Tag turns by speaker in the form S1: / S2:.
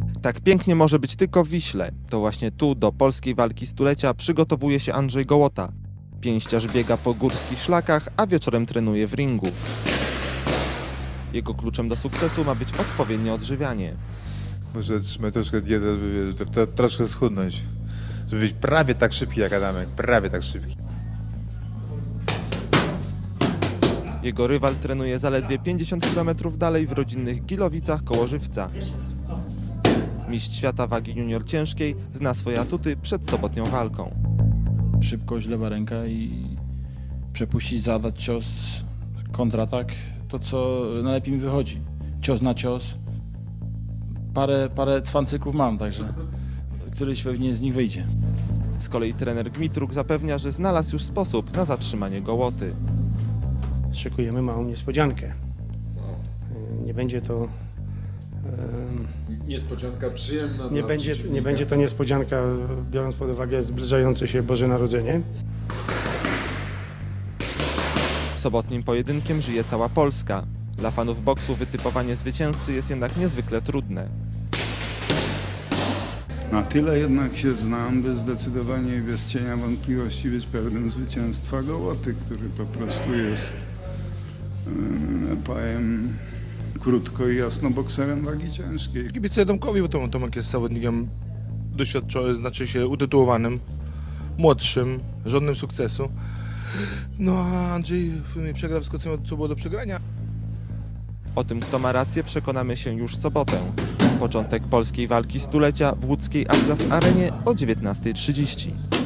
S1: Tak pięknie może być tylko w Wiśle. To właśnie tu do polskiej walki stulecia przygotowuje się Andrzej Gołota. Pięściarz biega po górskich szlakach, a wieczorem trenuje w ringu. Jego kluczem do sukcesu ma być odpowiednie odżywianie.
S2: Muszę trzymać troszkę dietę, żeby troszkę schudnąć. Żeby być prawie tak szybki jak Adamek, prawie tak szybki.
S1: Jego rywal trenuje zaledwie 50 km dalej w rodzinnych Gilowicach koło Żywca. Mistrz świata wagi junior ciężkiej zna swoje atuty przed sobotnią walką.
S3: Szybkość, lewa ręka i przepuścić, zadać cios, kontratak, to co najlepiej mi wychodzi. Cios na cios. Parę cwancyków mam, także któryś pewnie z nich wyjdzie.
S1: Z kolei trener Gmitruk zapewnia, że znalazł już sposób na zatrzymanie Gołoty.
S4: Szykujemy małą niespodziankę. Nie będzie to
S5: Niespodzianka przyjemna.
S4: nie będzie to niespodzianka, biorąc pod uwagę zbliżające się Boże Narodzenie.
S1: Sobotnim pojedynkiem żyje cała Polska. Dla fanów boksu wytypowanie zwycięzcy jest jednak niezwykle trudne.
S6: Na tyle jednak się znam, by zdecydowanie i bez cienia wątpliwości być pewnym zwycięstwa Gołoty, który po prostu jest, powiem krótko i jasno, bokserem wagi ciężkiej.
S7: Kibicuję Tomkowi, bo Tomek jest zawodnikiem doświadczonym, znaczy się utytułowanym, młodszym, żądnym sukcesu. No a Andrzej przegrał wszystko, co było do przegrania.
S1: O tym, kto ma rację, przekonamy się już w sobotę. Początek polskiej walki stulecia w łódzkiej Atlas Arenie o 19:30.